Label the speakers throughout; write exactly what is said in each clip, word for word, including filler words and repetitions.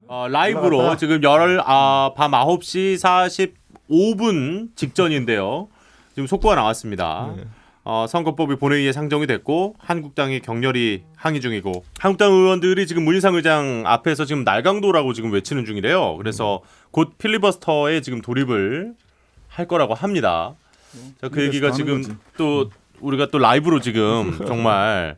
Speaker 1: 어, 라이브로
Speaker 2: 올라갔다.
Speaker 1: 지금 열, 아, 밤 아홉 시 사십오 분 직전인데요. 지금 속보가 나왔습니다.
Speaker 3: 네.
Speaker 1: 어, 선거법이 본회의에 상정이 됐고 한국당이 격렬히 항의 중이고 한국당 의원들이 지금 문희상 의장 앞에서 지금 날강도라고 지금 외치는 중이래요. 그래서 곧 필리버스터에 지금 돌입을 할 거라고 합니다. 자, 그 얘기가 지금
Speaker 2: 거지.
Speaker 1: 또 우리가 또 라이브로 지금 정말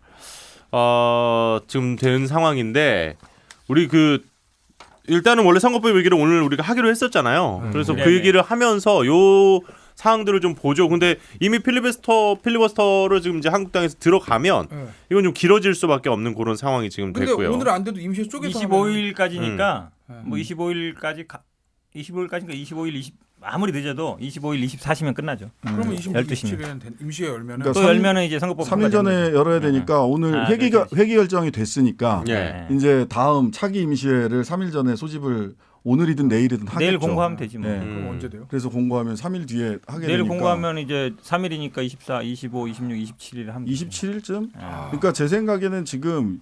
Speaker 1: 어, 지금 된 상황인데 우리 그 일단은 원래 선거법 얘기를 오늘 우리가 하기로 했었잖아요.
Speaker 2: 음.
Speaker 1: 그래서 그
Speaker 3: 네네.
Speaker 1: 얘기를 하면서 요 사항들을 좀 보죠. 근데 이미 필리버스터 필리버스터를 지금 이제 한국당에서 들어가면
Speaker 4: 네.
Speaker 1: 이건 좀 길어질 수밖에 없는 그런 상황이 지금
Speaker 4: 근데
Speaker 1: 됐고요.
Speaker 4: 오늘 안 돼도 임시 쪼개서
Speaker 3: 이십오 일까지니까
Speaker 4: 음.
Speaker 3: 뭐 이십오 일까지 가, 이십오 일까지니까 이십오 일 이십 아무리 늦어도 이십오 일 이십사 시면 끝나죠.
Speaker 4: 그러면 이십육,
Speaker 3: 열두 시면.
Speaker 4: 이십칠일은 임시에 열면은
Speaker 2: 그러니까
Speaker 3: 또
Speaker 2: 삼-
Speaker 3: 열면은 이제 선거법
Speaker 2: 삼 일 전에 열어야 되니까 오늘
Speaker 3: 아,
Speaker 2: 회기
Speaker 3: 그렇지.
Speaker 2: 회기 결정이 됐으니까
Speaker 1: 예.
Speaker 2: 이제 다음 차기 임시회를 삼 일 전에 소집을 오늘이든 내일이든 하겠죠.
Speaker 3: 내일 공고하면 되지 뭐.
Speaker 2: 네.
Speaker 4: 그럼
Speaker 1: 음.
Speaker 4: 언제 돼요?
Speaker 2: 그래서 공고하면 삼 일 뒤에 하게
Speaker 3: 내일
Speaker 2: 되니까
Speaker 3: 공고하면 이제 삼 일이니까 이십사, 이십오, 이십육, 이십칠 일 하면
Speaker 2: 이십칠 일쯤?
Speaker 3: 아.
Speaker 2: 그러니까 제 생각에는 지금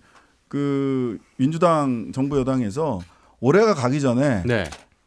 Speaker 2: 그 민주당 정부 여당에서 올해가 가기 전에
Speaker 1: 네.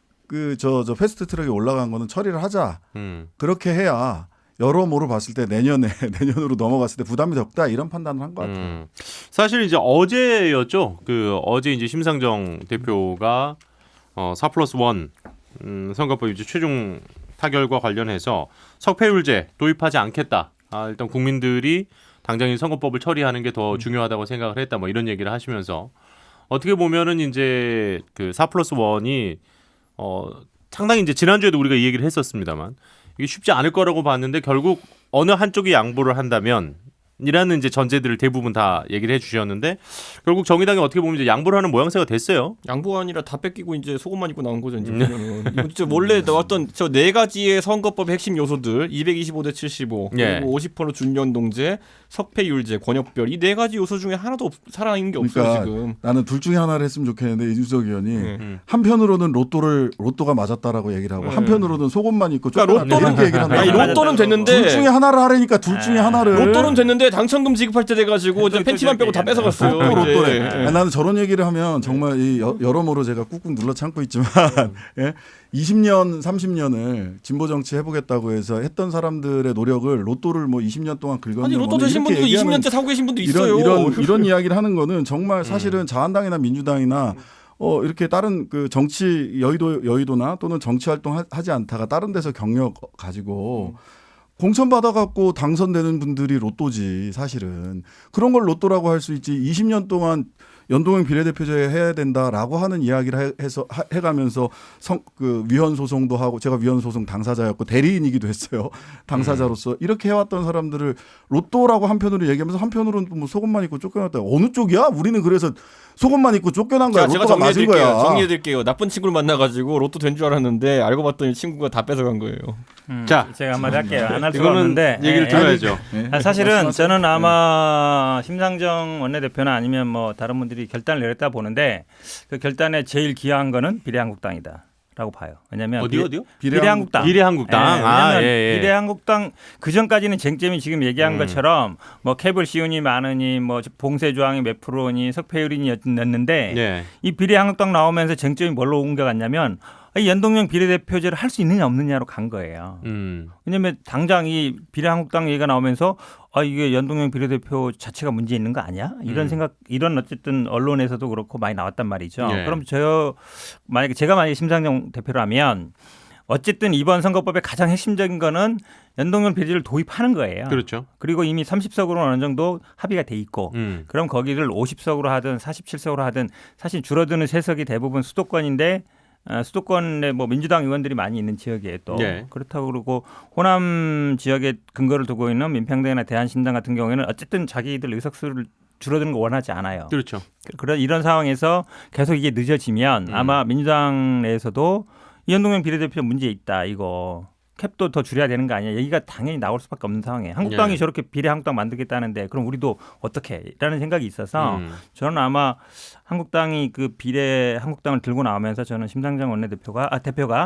Speaker 2: 그 저 저 패스트 트랙에 올라간 거는 처리를 하자.
Speaker 1: 음.
Speaker 2: 그렇게 해야 여러모로 봤을 때 내년에 내년으로 넘어갔을 때 부담이 적다 이런 판단을 한 것 같아요.
Speaker 1: 음. 사실 이제 어제였죠. 그 어제 이제 심상정 대표가 어, 사 플러스 일 음, 선거법 이제 최종 타결과 관련해서 석패율제 도입하지 않겠다. 아, 일단 국민들이 당장 이 선거법을 처리하는 게 더 중요하다고 생각을 했다. 뭐 이런 얘기를 하시면서 어떻게 보면은 이제 그 사 플러스 일이 어, 상당히 이제 지난주에도 우리가 이 얘기를 했었습니다만 이게 쉽지 않을 거라고 봤는데 결국 어느 한쪽이 양보를 한다면 이라는 이제 전제들을 대부분 다 얘기를 해주셨는데 결국 정의당이 어떻게 보면 이제 양보를 하는 모양새가 됐어요.
Speaker 5: 양보가 아니라 다 뺏기고 이제 속옷만 입고 나온 거죠. 이제
Speaker 1: 음.
Speaker 5: 보면은. 이거 진짜 원래 나왔던 저 네 가지의 선거법의 핵심 요소들 이백이십오 대 칠십오
Speaker 1: 예.
Speaker 5: 그리고 오십 퍼센트 준연동제, 석패율제, 권역별 이 네 가지 요소 중에 하나도 없, 살아있는 게 없어요
Speaker 2: 그러니까
Speaker 5: 지금.
Speaker 2: 나는 둘 중에 하나를 했으면 좋겠는데 이준석 의원이
Speaker 5: 네.
Speaker 1: 음.
Speaker 2: 한편으로는 로또를 로또가 맞았다라고 얘기를 하고
Speaker 5: 네.
Speaker 2: 한편으로는 속옷만 입고
Speaker 5: 그러니까
Speaker 2: 쫓겨났다
Speaker 5: 로또는-
Speaker 2: 이렇게 얘기를 한다.
Speaker 5: 아니
Speaker 3: 맞았다고.
Speaker 5: 로또는 됐는데
Speaker 2: 둘 중에 하나를 하라니까 둘 중에
Speaker 3: 아,
Speaker 2: 하나를
Speaker 5: 로또는 됐는데 당첨금 지급할 때 돼가지고 이제
Speaker 3: 또
Speaker 5: 팬티만 빼고 다
Speaker 3: 얘기하네.
Speaker 5: 뺏어갔어요.
Speaker 2: 또 로또래.
Speaker 5: 이제.
Speaker 2: 아니, 나는 저런 얘기를 하면 정말 이 여, 여러모로 제가 꾹꾹 눌러 참고 있지만 예? 이십 년, 삼십 년을 진보 정치 해보겠다고 해서 했던 사람들의 노력을 로또를 뭐 이십 년 동안 긁었는
Speaker 5: 아니 로또
Speaker 2: 거는
Speaker 5: 되신
Speaker 2: 이렇게
Speaker 5: 분도 이십
Speaker 2: 얘기하는
Speaker 5: 년째 사고 계신 분도
Speaker 2: 이런
Speaker 5: 있어요.
Speaker 2: 이런 이런 이야기를 하는 거는 정말 사실은 자한당이나 민주당이나 어 이렇게 다른 그 정치 여의도 여의도나 또는 정치 활동 하- 하지 않다가 다른 데서 경력 가지고 공천 받아갖고 당선되는 분들이 로또지 사실은 그런 걸 로또라고 할 수 있지 이십 년 동안 연동형 비례대표제 해야 된다라고 하는 이야기를 해- 해서 하- 해가면서 성, 그 위헌 소송도 하고 제가 위헌 소송 당사자였고 대리인이기도 했어요 당사자로서 이렇게 해왔던 사람들을 로또라고 한편으로 얘기하면서 한편으로는 뭐 속옷만 입고 쫓겨났다 어느 쪽이야? 우리는 그래서 속옷만 입고 쫓겨난 거야.
Speaker 5: 자, 제가
Speaker 2: 로또가 맞은
Speaker 5: 정리해드릴게요.
Speaker 2: 거야.
Speaker 5: 정리해드릴게요. 나쁜 친구를 만나가지고 로또 된 줄 알았는데 알고 봤더니 친구가 다 뺏어간 거예요.
Speaker 3: 음,
Speaker 1: 자,
Speaker 3: 제가 한마디 할게요. 안 할 수가
Speaker 1: 이거는
Speaker 3: 없는데
Speaker 1: 얘기를
Speaker 3: 예,
Speaker 1: 들어야죠.
Speaker 2: 네.
Speaker 3: 아, 사실은
Speaker 2: 말씀하세요.
Speaker 3: 저는 아마 심상정 원내대표나 아니면 뭐 다른 분들이 결단을 내렸다 보는데 그 결단에 제일 기여한 거는 비례한국당이다라고 봐요. 왜냐하면
Speaker 1: 어디
Speaker 3: 비-
Speaker 1: 어디요?
Speaker 3: 비례한국당.
Speaker 1: 비례한국당.
Speaker 3: 예,
Speaker 1: 아,
Speaker 3: 왜냐면
Speaker 1: 예, 예.
Speaker 3: 비례한국당 그 전까지는 쟁점이 지금 얘기한
Speaker 1: 음.
Speaker 3: 것처럼 뭐 캡을 씌우니 많으니 뭐 봉쇄 조항이 몇 프로니 석패율이었는데
Speaker 1: 예.
Speaker 3: 이 비례한국당 나오면서 쟁점이 뭘로 옮겨갔냐면 이 연동형 비례대표제를 할 수 있느냐 없느냐로 간 거예요.
Speaker 1: 음.
Speaker 3: 왜냐하면 당장 이 비례한국당 얘기가 나오면서 아 이게 연동형 비례대표 자체가 문제 있는 거 아니야? 이런
Speaker 1: 음.
Speaker 3: 생각, 이런 어쨌든 언론에서도 그렇고 많이 나왔단 말이죠.
Speaker 1: 예.
Speaker 3: 그럼 저 만약에 제가 만약에 심상정 대표라면 어쨌든 이번 선거법의 가장 핵심적인 거는 연동형 비례를 도입하는 거예요.
Speaker 1: 그렇죠.
Speaker 3: 그리고 이미 삼십 석으로 어느 정도 합의가 돼 있고
Speaker 1: 음.
Speaker 3: 그럼 거기를 오십 석으로 하든 사십칠 석으로 하든 사실 줄어드는 세석이 대부분 수도권인데 어, 수도권에 뭐 민주당 의원들이 많이 있는 지역이에요 또
Speaker 1: 예.
Speaker 3: 그렇다고 그러고 호남 지역에 근거를 두고 있는 민평당이나 대한신당 같은 경우에는 어쨌든 자기들 의석수를 줄어드는 거 원하지 않아요.
Speaker 1: 그렇죠.
Speaker 3: 그런 이런 상황에서 계속 이게 늦어지면
Speaker 1: 음.
Speaker 3: 아마 민주당 내에서도 이현동형 비례대표 문제 있다 이거 캡도 더 줄여야 되는 거 아니야 얘기가 당연히 나올 수밖에 없는 상황이에요. 한국당이
Speaker 1: 예.
Speaker 3: 저렇게 비례 한국당 만들겠다는데 그럼 우리도 어떻게 라는 생각이 있어서
Speaker 1: 음.
Speaker 3: 저는 아마 한국당이 그 비례 한국당을 들고 나오면서 저는 심상정 원내대표가 아 대표가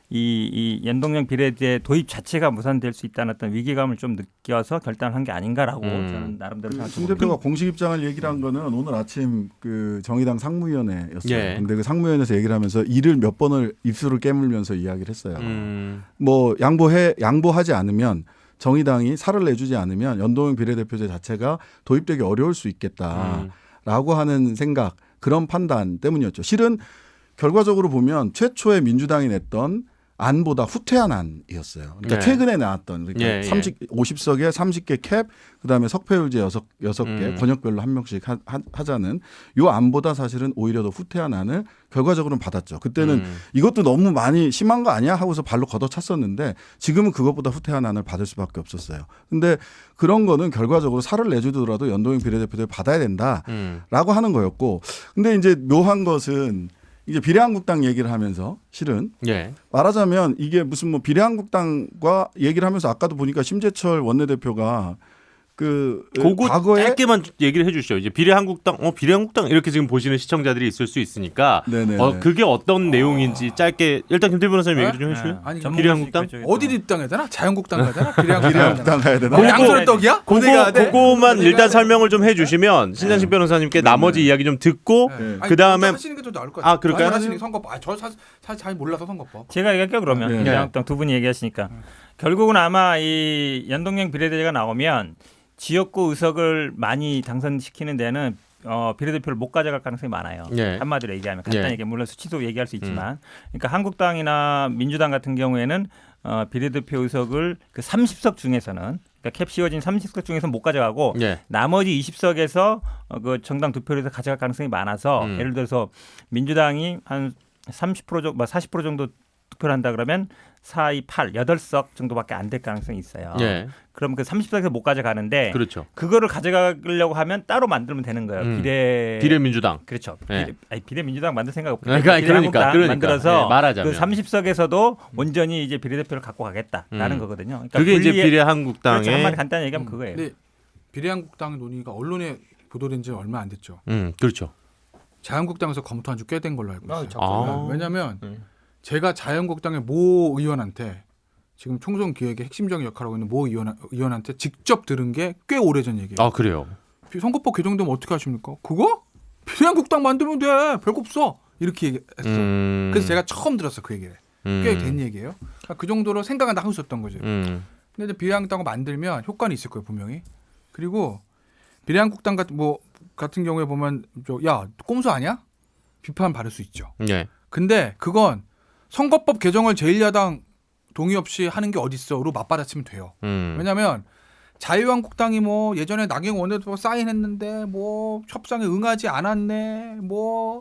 Speaker 3: 이, 이 연동형 비례제 도입 자체가 무산될 수 있다는 어떤 위기감을 좀 느껴서 결단한 게 아닌가라고
Speaker 1: 음.
Speaker 3: 저는 나름대로
Speaker 2: 그
Speaker 3: 생각합니다.
Speaker 2: 송 대표가 공식 입장을 얘기를 한 거는 오늘 아침 그 정의당 상무위원회였어요.
Speaker 1: 예.
Speaker 2: 근데 그 상무위원회에서 얘기를 하면서 이를 몇 번을 입술을 깨물면서 이야기를 했어요.
Speaker 1: 음.
Speaker 2: 뭐 양보해 양보하지 않으면 정의당이 살을 내주지 않으면 연동형 비례대표제 자체가 도입되기 어려울 수 있겠다라고
Speaker 1: 음.
Speaker 2: 하는 생각, 그런 판단 때문이었죠. 실은 결과적으로 보면 최초에 민주당이 냈던 안보다 후퇴한 안이었어요. 그러니까
Speaker 1: 네.
Speaker 2: 최근에 나왔던 그러니까
Speaker 1: 예, 예.
Speaker 2: 삼십, 오십 석에 삼십 개 캡, 그다음에 석패율제 여섯, 여섯 개
Speaker 1: 음.
Speaker 2: 권역별로 한 명씩 하, 하, 하자는 요 안보다 사실은 오히려 더 후퇴한 안을 결과적으로는 받았죠. 그때는
Speaker 1: 음.
Speaker 2: 이것도 너무 많이 심한 거 아니야 하고서 발로 걷어찼었는데 지금은 그것보다 후퇴한 안을 받을 수밖에 없었어요. 근데 그런 거는 결과적으로 살을 내주더라도 연동형 비례대표를 받아야 된다라고
Speaker 1: 음.
Speaker 2: 하는 거였고, 근데 이제 묘한 것은 이제 비례한국당 얘기를 하면서 실은
Speaker 1: 예.
Speaker 2: 말하자면 이게 무슨 뭐 비례한국당과 얘기를 하면서 아까도 보니까 심재철 원내대표가 그
Speaker 1: 그거
Speaker 2: 과거에
Speaker 1: 짧게만 얘기를 해주시죠. 이제 비례한국당, 어 비례한국당 이렇게 지금 보시는 시청자들이 있을 수 있으니까,
Speaker 2: 네네.
Speaker 1: 어 그게 어떤 내용인지 짧게 일단 김태우 변호사님 얘기 좀 해주세요.
Speaker 4: 아니,
Speaker 3: 전문가시니까
Speaker 1: 비례한국당?
Speaker 3: 이쪽에
Speaker 4: 어디
Speaker 3: 또.
Speaker 4: 입당해야 되나? 자유한국당 가야 되나? 비례한국당
Speaker 2: 비례한국당 가야 되나?
Speaker 1: 그거-
Speaker 4: 양손의 떡이야? 어디 가야
Speaker 1: 그거
Speaker 4: 돼?
Speaker 1: 그거만
Speaker 4: 어디
Speaker 1: 일단
Speaker 4: 가야 돼?
Speaker 1: 설명을 좀 해주시면 신장식 변호사님께 나머지 이야기 좀 듣고
Speaker 4: 네. 아니,
Speaker 1: 그 다음에
Speaker 4: 먼저 하시는 게 더 나을 것 같아요.
Speaker 1: 아, 그럴까요?
Speaker 4: 먼저 하시는 게 선거법. 아, 저 사실 잘 몰라서 선거법.
Speaker 3: 제가 얘기할게요 그러면
Speaker 2: 네.
Speaker 3: 비례한국당 두 분이 얘기하시니까 결국은 아마 이 연동형 비례대제가 나오면 지역구 의석을 많이 당선시키는 데는 어, 비례대표를 못 가져갈 가능성이 많아요.
Speaker 1: 예.
Speaker 3: 한마디로 얘기하면 간단히
Speaker 1: 예.
Speaker 3: 얘기하면 물론 수치도 얘기할 수 있지만, 그러니까 한국당이나 민주당 같은 경우에는 어, 비례대표 의석을 그 삼십 석 중에서는 그러니까 캡 씌워진 삼십 석 중에서 못 가져가고
Speaker 1: 예.
Speaker 3: 나머지 이십 석에서 어, 그 정당 득표율에서 가져갈 가능성이 많아서
Speaker 1: 음.
Speaker 3: 예를 들어서 민주당이 한 삼십 퍼센트 정도, 사십 퍼센트 정도 득표를 한다 그러면 사, 이, 팔, 여덟 석 정도밖에 안 될 가능성이 있어요.
Speaker 1: 예.
Speaker 3: 그럼 그 삼십 석에서 못 가져가는데
Speaker 1: 그렇죠.
Speaker 3: 그거를 가져가려고 하면 따로 만들면 되는 거예요.
Speaker 1: 음.
Speaker 3: 비례
Speaker 1: 비례민주당.
Speaker 3: 그렇죠.
Speaker 1: 예.
Speaker 3: 비례, 아니, 비례민주당 만들 생각 없고
Speaker 1: 그러니까, 그러니까, 그러니까.
Speaker 3: 만들어서
Speaker 1: 예, 말하자면.
Speaker 3: 그 삼십 석에서도 온전히 이제 비례대표를 갖고 가겠다라는
Speaker 1: 음.
Speaker 3: 거거든요. 그러니까
Speaker 1: 그게 이제
Speaker 3: 분리해-
Speaker 1: 비례한국당의
Speaker 3: 그렇죠. 한마디 간단히 얘기하면 그거예요.
Speaker 4: 근데 비례한국당 논의가 언론에 보도된 지 얼마 안 됐죠.
Speaker 1: 음 그렇죠.
Speaker 4: 자유한국당에서 검토한 지 꽤 된 걸로 알고 있어요.
Speaker 1: 아.
Speaker 4: 왜냐하면
Speaker 5: 네.
Speaker 4: 제가 자유한국당의 모 의원한테 지금 총선 기획의 핵심적인 역할을 하고 있는 모 의원, 의원한테 직접 들은 게 꽤 오래전 얘기예요.
Speaker 1: 아 그래요.
Speaker 4: 선거법 개정되면 어떻게 하십니까? 그거? 비례한국당 만들면 돼. 별거 없어. 이렇게 얘기했어.
Speaker 1: 음.
Speaker 4: 그래서 제가 처음 들었어 그 얘기를. 꽤 된 얘기예요. 그러니까 그 정도로 생각은 하고 있었던 거죠.
Speaker 1: 음.
Speaker 4: 근데 이제 비례한국당을 만들면 효과는 있을 거예요 분명히. 그리고 비례한국당 같은 뭐 같은 경우에 보면 야 꼼수 아니야? 비판 받을 수 있죠.
Speaker 1: 예.
Speaker 4: 근데 그건 선거법 개정을 제일 야당 동의 없이 하는 게 어딨어로 맞받아치면 돼요.
Speaker 1: 음.
Speaker 4: 왜냐하면 자유한국당이 뭐 예전에 나경원 원내대표 사인했는데 뭐 협상에 응하지 않았네, 뭐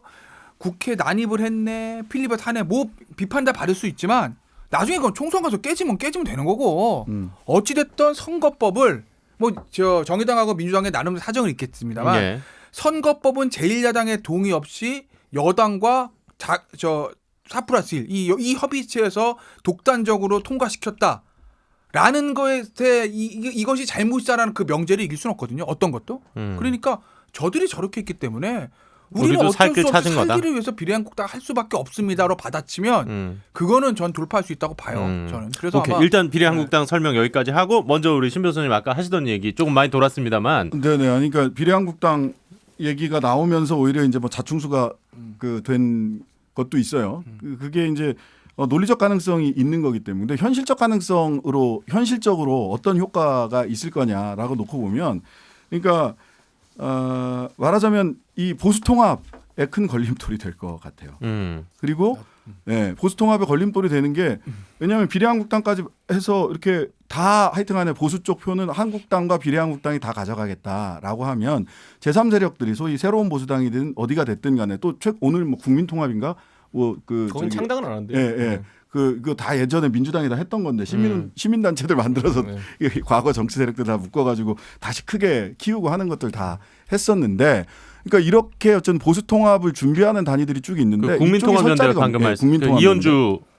Speaker 4: 국회 난입을 했네, 필리버 타네, 뭐 비판 다 받을 수 있지만 나중에 그건 총선 가서 깨지면 깨지면 되는 거고
Speaker 2: 음.
Speaker 4: 어찌 됐든 선거법을 뭐 저 정의당하고 민주당의 나름 사정은 있겠습니다만
Speaker 1: 예. 선거법은
Speaker 4: 선거법은 제일 야당의 동의 없이 여당과 자, 저 사 플러스 일 이 이 협의체에서 독단적으로 통과시켰다라는 거에 대해 이, 이, 이것이 잘못이다라는 그 명제를 이길 수는 없거든요. 어떤 것도.
Speaker 1: 음.
Speaker 4: 그러니까 저들이 저렇게 했기 때문에 우리는
Speaker 1: 우리도
Speaker 4: 어쩔
Speaker 1: 살 길
Speaker 4: 수 없이
Speaker 1: 찾은 거다.
Speaker 4: 살기를 위해서 비례한국당 할 수밖에 없습니다로 받아치면
Speaker 1: 음.
Speaker 4: 그거는 전 돌파할 수 있다고 봐요.
Speaker 1: 음.
Speaker 4: 저는. 그래서
Speaker 1: 오케이.
Speaker 4: 아마
Speaker 1: 일단 비례한국당 설명 여기까지 하고 먼저 우리 신 변호사님 아까 하시던 얘기 조금 많이 돌았습니다만
Speaker 2: 네네. 그러니까 비례한국당 얘기가 나오면서 오히려 이제 뭐 자충수가 그 된 것도 있어요. 그- 그게 이제 어, 논리적 가능성이 있는 거기 때문에 근데 현실적 가능성으로 현실적으로 어떤 효과가 있을 거냐라고 놓고 보면 그러니까 어, 말하자면 이 보수 통합에 큰 걸림돌이 될 것 같아요.
Speaker 1: 음.
Speaker 2: 그리고 네, 보수 통합에 걸림돌이 되는 게 왜냐하면 비례한국당까지 해서 이렇게 다 하여튼간에 보수 쪽 표는 한국당과 비례한국당이 다 가져가겠다라고 하면 제삼 세력들이 소위 새로운 보수당이든 어디가 됐든 간에 또 최, 오늘 뭐 국민통합인가 뭐그
Speaker 5: 그건 창당은 안 하는데.
Speaker 2: 예, 예. 그, 그거 다 예전에 민주당이 다 했던 건데 시민,
Speaker 1: 음.
Speaker 2: 시민단체들 만들어서
Speaker 5: 네.
Speaker 2: 과거 정치 세력들 다 묶어가지고 다시 크게 키우고 하는 것들 다 했었는데 그러니까 이렇게 어쩐 보수 통합을 준비하는 단위들이 쭉 있는데
Speaker 1: 그
Speaker 2: 이쪽이
Speaker 1: 국민통합연대를
Speaker 2: 설자리가
Speaker 1: 방금
Speaker 2: 없- 예,
Speaker 1: 말씀 그
Speaker 2: 국민통합연대.
Speaker 1: 이현주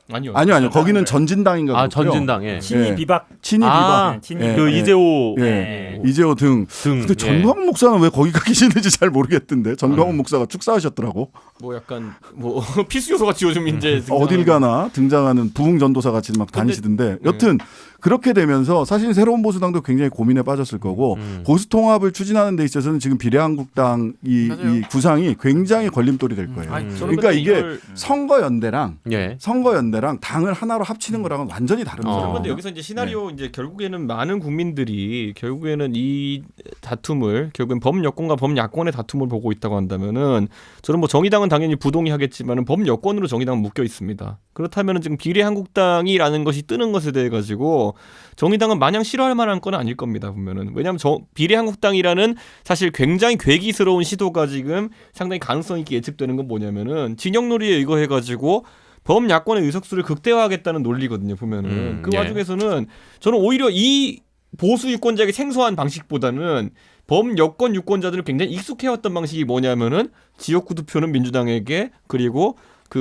Speaker 5: 아니요.
Speaker 2: 아니요, 아니요. 거기는 전진당인가
Speaker 1: 아
Speaker 2: 그렇고요.
Speaker 1: 전진당 예.
Speaker 3: 친이
Speaker 2: 예.
Speaker 3: 비박
Speaker 2: 친이
Speaker 1: 아,
Speaker 2: 비박.
Speaker 3: 친이
Speaker 2: 예.
Speaker 1: 그
Speaker 2: 예.
Speaker 1: 이재호
Speaker 2: 예.
Speaker 3: 네.
Speaker 2: 이재호 등.
Speaker 1: 등.
Speaker 2: 근데
Speaker 1: 예.
Speaker 2: 전광훈 목사는 왜 거기 가 계시는지 잘 모르겠던데. 전광훈 목사가 축사하셨더라고.
Speaker 5: 뭐 약간 뭐 필수 요소 같이 요즘 이제
Speaker 2: 어, 어딜 가나 등장하는 부흥 전도사 같이 막 다니시던데. 여튼 그렇게 되면서 사실 새로운 보수당도 굉장히 고민에 빠졌을 거고
Speaker 1: 음.
Speaker 2: 보수 통합을 추진하는 데 있어서는 지금 비례한국당 이,
Speaker 4: 맞아요.
Speaker 2: 이 구상이 굉장히 걸림돌이 될 거예요.
Speaker 4: 아니,
Speaker 5: 저는
Speaker 2: 그러니까
Speaker 5: 근데
Speaker 2: 이게
Speaker 5: 이걸-
Speaker 2: 선거연대랑
Speaker 1: 예.
Speaker 2: 선거연대랑 당을 하나로 합치는 거랑은 완전히 다른
Speaker 1: 어.
Speaker 2: 거예요.
Speaker 5: 그런데 여기서 이제 시나리오 이제 결국에는 많은 국민들이 결국에는 이 다툼을 결국엔 범여권과 범야권의 다툼을 보고 있다고 한다면은 저는 뭐 정의당은 당연히 부동의하겠지만은 범여권으로 정의당은 묶여 있습니다. 그렇다면은 지금 비례한국당이라는 것이 뜨는 것에 대해 가지고 정의당은 마냥 싫어할 만한 건 아닐 겁니다. 보면은 왜냐하면 저, 비례한국당이라는 사실 굉장히 괴기스러운 시도가 지금 상당히 가능성 있게 예측되는 건 뭐냐면은 진영놀이에 의거해 가지고 범야권의 의석수를 극대화하겠다는 논리거든요. 보면은
Speaker 1: 음,
Speaker 5: 그
Speaker 1: 예.
Speaker 5: 와중에서는 저는 오히려 이 보수 유권자에게 생소한 방식보다는 범여권 유권자들은 굉장히 익숙해왔던 방식이 뭐냐면은 지역구 투표는 민주당에게 그리고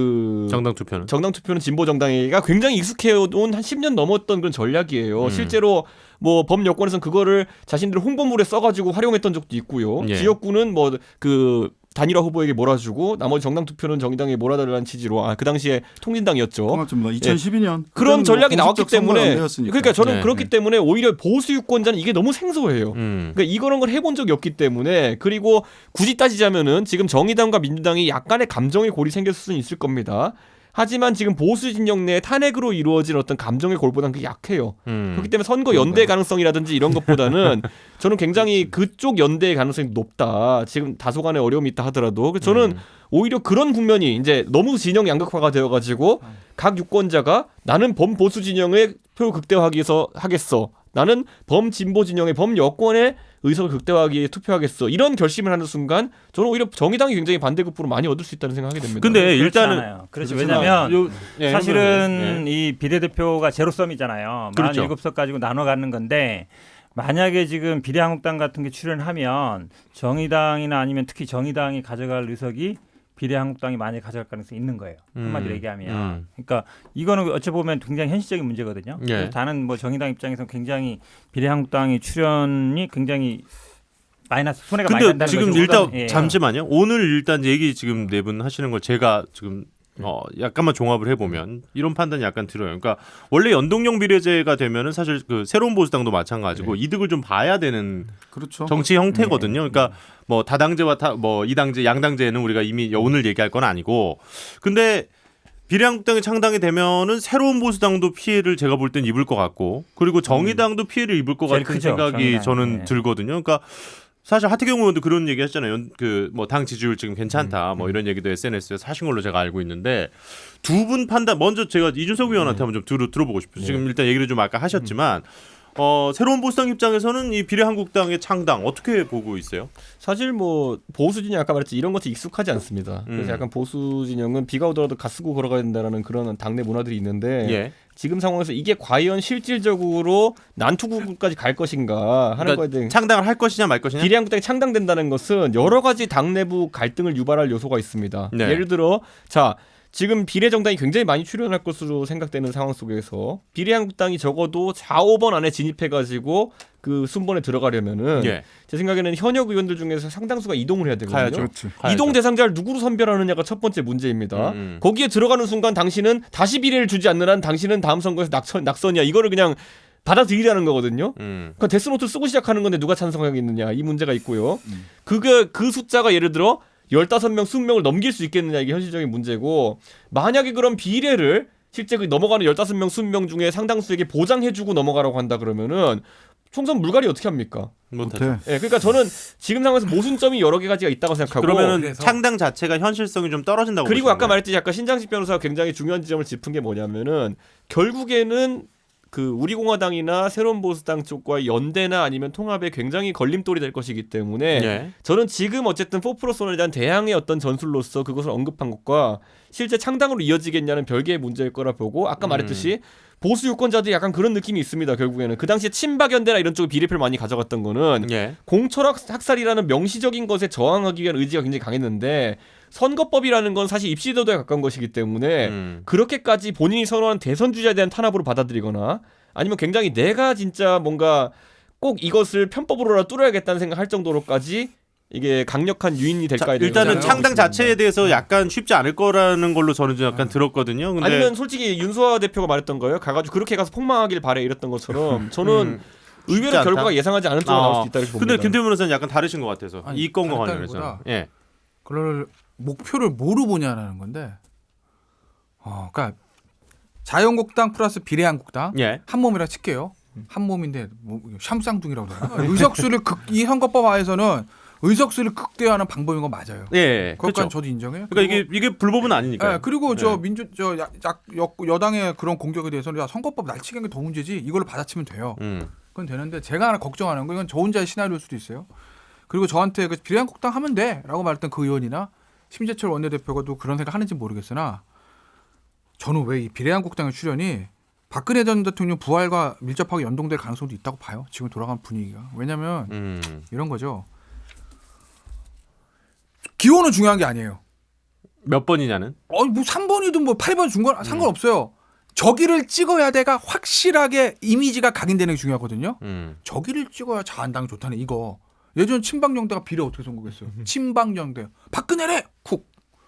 Speaker 5: 그
Speaker 1: 정당 투표는
Speaker 5: 정당 투표는 진보 정당에게가 굉장히 익숙해온 한 십 년 넘었던 그런 전략이에요.
Speaker 1: 음.
Speaker 5: 실제로 뭐 범여권에서는 그거를 자신들 홍보물에 써가지고 활용했던 적도 있고요.
Speaker 1: 예.
Speaker 5: 지역구는 뭐 그 단일화 후보에게 몰아주고 나머지 정당 투표는 정의당에 몰아달라는 취지로 아 그 당시에 통진당이었죠.
Speaker 2: 통합입니다. 이천십이 년
Speaker 5: 그런 전략이
Speaker 2: 뭐
Speaker 5: 나왔기
Speaker 2: 공식적 선거가 안
Speaker 5: 때문에
Speaker 2: 되었으니까.
Speaker 5: 그러니까 저는
Speaker 1: 네.
Speaker 5: 그렇기 때문에 오히려 보수 유권자는 이게 너무 생소해요.
Speaker 1: 음.
Speaker 5: 그러니까 이런 걸 해본 적이 없기 때문에 그리고 굳이 따지자면은 지금 정의당과 민주당이 약간의 감정의 골이 생겼을 수는 있을 겁니다. 하지만 지금 보수 진영 내 탄핵으로 이루어진 어떤 감정의 골보다는 그게 약해요.
Speaker 1: 음.
Speaker 5: 그렇기 때문에 선거 연대 가능성이라든지 이런 것보다는 저는 굉장히 그쪽 연대의 가능성이 높다. 지금 다소간의 어려움이 있다 하더라도 그래서 저는
Speaker 1: 음.
Speaker 5: 오히려 그런 국면이 이제 너무 진영 양극화가 되어가지고 각 유권자가 나는 범보수 진영의 표 극대화하기 위해서 하겠어. 나는 범진보 진영의 범여권의 의석을 극대화하기 위해 투표하겠어. 이런 결심을 하는 순간 저는 오히려 정의당이 굉장히 반대급부로 많이 얻을 수 있다는 생각하게 됩니다.
Speaker 1: 근데
Speaker 3: 그렇지
Speaker 1: 일단은
Speaker 3: 않아요. 그렇죠.
Speaker 1: 그렇구나.
Speaker 3: 왜냐하면
Speaker 1: 요- 예,
Speaker 3: 사실은
Speaker 1: 예.
Speaker 3: 이 비례대표가 제로섬이잖아요.
Speaker 1: 그렇죠.
Speaker 3: 사십칠 석 가지고 나눠 갖는 건데 만약에 지금 비례한국당 같은 게 출연하면 정의당이나 아니면 특히 정의당이 가져갈 의석이 비례한국당이 많이 가져갈 가능성이 있는 거예요. 한마디로
Speaker 1: 음,
Speaker 3: 얘기하면.
Speaker 1: 음.
Speaker 3: 그러니까 이거는 어찌 보면 굉장히 현실적인 문제거든요.
Speaker 1: 예.
Speaker 3: 그래서 다른 뭐 정의당 입장에서 굉장히 비례한국당이 출연이 굉장히 마이너스 손해가 많이
Speaker 1: 근데
Speaker 3: 난다는
Speaker 1: 지금
Speaker 3: 거죠.
Speaker 1: 일단
Speaker 3: 예.
Speaker 1: 잠시만요. 오늘 일단 얘기 지금 네 분 하시는 걸 제가 지금 어 약간만 종합을 해보면 이런 판단이 약간 들어요. 그러니까 원래 연동형 비례제가 되면은 사실 그 새로운 보수당도 마찬가지고 이득을 좀 봐야 되는
Speaker 2: 그렇죠.
Speaker 1: 정치 형태거든요. 그러니까 뭐 다당제와 다, 뭐 이당제, 양당제는 우리가 이미 오늘 얘기할 건 아니고, 근데 비례한국당이 창당이 되면은 새로운 보수당도 피해를 제가 볼 땐 입을 것 같고, 그리고 정의당도 피해를 입을 것
Speaker 3: 제일
Speaker 1: 같은
Speaker 3: 크죠,
Speaker 1: 생각이
Speaker 3: 정의당.
Speaker 1: 저는
Speaker 3: 네.
Speaker 1: 들거든요. 그러니까 사실 하태경 의원도 그런 얘기 했잖아요. 그 뭐 당 지지율 지금 괜찮다. 뭐 이런 얘기도 에스엔에스에서 하신 걸로 제가 알고 있는데, 두 분 판단 먼저 제가 이준석 의원한테 한번 좀 들어, 들어보고 싶어요. 지금 일단 얘기를 좀 아까 하셨지만 어, 새로운 보수당 입장에서는 이 비례한국당의 창당 어떻게 보고 있어요?
Speaker 5: 사실 뭐 보수 진영 아까 말했지 이런 것이 익숙하지 않습니다. 그래서
Speaker 1: 음.
Speaker 5: 약간 보수 진영은 비가 오더라도 가 쓰고 걸어가야 된다라는 그런 당내 문화들이 있는데
Speaker 1: 예.
Speaker 5: 지금 상황에서 이게 과연 실질적으로 난투구까지 갈 것인가 하는
Speaker 1: 그러니까
Speaker 5: 거에 대해
Speaker 1: 창당을 할 것이냐 말 것이냐?
Speaker 5: 비례한국당이 창당된다는 것은 여러 가지 당 내부 갈등을 유발할 요소가 있습니다.
Speaker 1: 네.
Speaker 5: 예를 들어 자 지금 비례정당이 굉장히 많이 출연할 것으로 생각되는 상황 속에서 비례한국당이 적어도 사, 오 번 안에 진입해가지고 그 순번에 들어가려면은
Speaker 1: 예.
Speaker 5: 제 생각에는 현역 의원들 중에서 상당수가 이동을 해야 되거든요.
Speaker 1: 가야죠.
Speaker 2: 그렇지.
Speaker 5: 이동 대상자를 누구로 선별하느냐가 첫 번째 문제입니다.
Speaker 1: 음, 음.
Speaker 5: 거기에 들어가는 순간 당신은 다시 비례를 주지 않는 한 당신은 다음 선거에서 낙선, 낙선이야. 이거를 그냥 받아들이라는 거거든요.
Speaker 1: 음.
Speaker 5: 그 데스노트 쓰고 시작하는 건데 누가 찬성하겠느냐 이 문제가 있고요. 그게 그 숫자가 예를 들어 열다섯 명, 이십 명을 넘길 수 있겠느냐 이게 현실적인 문제고 만약에 그런 비례를 실제 그 넘어가는 열다섯 명, 이십 명 중에 상당수에게 보장해주고 넘어가라고 한다 그러면은 총선 물갈이 어떻게 합니까?
Speaker 1: 못하죠.
Speaker 2: 못해.
Speaker 5: 예, 그러니까 저는 지금 상황에서 모순점이 여러 개 가지가 있다고 생각하고
Speaker 1: 그러면은
Speaker 4: 그래서-
Speaker 1: 창당 자체가 현실성이 좀 떨어진다고
Speaker 5: 그리고
Speaker 1: 보시는
Speaker 5: 아까
Speaker 1: 거예요?
Speaker 5: 말했듯이 아까 신장식 변호사가 굉장히 중요한 지점을 짚은 게 뭐냐면은 결국에는 그 우리공화당이나 새로운 보수당 쪽과의 연대나 아니면 통합에 굉장히 걸림돌이 될 것이기 때문에
Speaker 1: 예.
Speaker 5: 저는 지금 어쨌든 사 플러스 일에 대한 대항의 어떤 전술로서 그것을 언급한 것과 실제 창당으로 이어지겠냐는 별개의 문제일 거라 보고 아까
Speaker 1: 음.
Speaker 5: 말했듯이 보수 유권자들이 약간 그런 느낌이 있습니다. 결국에는 그 당시에 친박연대나 이런 쪽에 비례표를 많이 가져갔던 거는
Speaker 1: 예.
Speaker 5: 공철학 학살이라는 명시적인 것에 저항하기 위한 의지가 굉장히 강했는데 선거법이라는 건 사실 입시제도에 가까운 것이기 때문에
Speaker 1: 음.
Speaker 5: 그렇게까지 본인이 선호하는 대선 주자에 대한 탄압으로 받아들이거나 아니면 굉장히 내가 진짜 뭔가 꼭 이것을 편법으로라도 뚫어야겠다는 생각할 정도로까지 이게 강력한 유인이
Speaker 1: 자,
Speaker 5: 될까에 대해서
Speaker 1: 일단은
Speaker 5: 생각하고
Speaker 1: 창당
Speaker 5: 있습니다.
Speaker 1: 자체에 대해서 약간 쉽지 않을 거라는 걸로 저는 좀 약간 들었거든요. 근데
Speaker 5: 아니면 솔직히 윤수아 대표가 말했던 거예요. 가가지고 그렇게 가서 폭망하길 바래 이랬던 것처럼 저는
Speaker 1: 음, 쉽지
Speaker 5: 의외로
Speaker 1: 않다?
Speaker 5: 결과가 예상하지 않은 쪽으로 나올
Speaker 1: 아,
Speaker 5: 수도 있다 이렇게 봅니다.
Speaker 1: 근데 김태현 변호사는 약간 다르신 것 같아서
Speaker 4: 아니,
Speaker 1: 이 건과
Speaker 4: 다르다기보다
Speaker 1: 관련해서. 예.
Speaker 4: 그걸 목표를 뭐로 보냐라는 건데. 어, 그러니까 자유한국당 플러스 비례한국당
Speaker 1: 예.
Speaker 4: 한 몸이라 칠게요. 한 몸인데 뭐 샴쌍둥이라고 그러나? 의석수를 극, 이 선거법 하에서는 의석수를 극대화하는 방법인 건 맞아요.
Speaker 1: 예.
Speaker 4: 그것까지
Speaker 1: 그렇죠.
Speaker 4: 저도 인정해요.
Speaker 1: 그러니까 이게 이게 불법은 아니니까.
Speaker 4: 예, 그리고 저
Speaker 1: 네.
Speaker 4: 민주 저 야, 야, 여, 여당의 그런 공격에 대해서는 야, 선거법 날치기한 게 더 문제지 이걸로 받아치면 돼요.
Speaker 1: 음.
Speaker 4: 그건 되는데 제가 하나 걱정하는 건 이건 저 혼자의 시나리오일 수도 있어요. 그리고 저한테 그 비례한국당 하면 돼라고 말했던 그 의원이나 심재철 원내대표가 또 그런 생각 하는지 모르겠으나 저는 왜 이 비례한국당의 출연이 박근혜 전 대통령 부활과 밀접하게 연동될 가능성도 있다고 봐요. 지금 돌아간 분위기가. 왜냐하면
Speaker 1: 음.
Speaker 4: 이런 거죠. 기호는 중요한 게 아니에요.
Speaker 1: 몇 번이냐는?
Speaker 4: 어, 뭐 삼 번이든 뭐 팔 번 준 건 상관없어요. 저기를 찍어야 돼가 확실하게 이미지가 각인되는 게 중요하거든요.
Speaker 1: 음.
Speaker 4: 저기를 찍어야 자한당이 좋다네 이거. 예전 친박연대가 비례 어떻게 선거했어요? 친박연대. 박근혜래 쿡.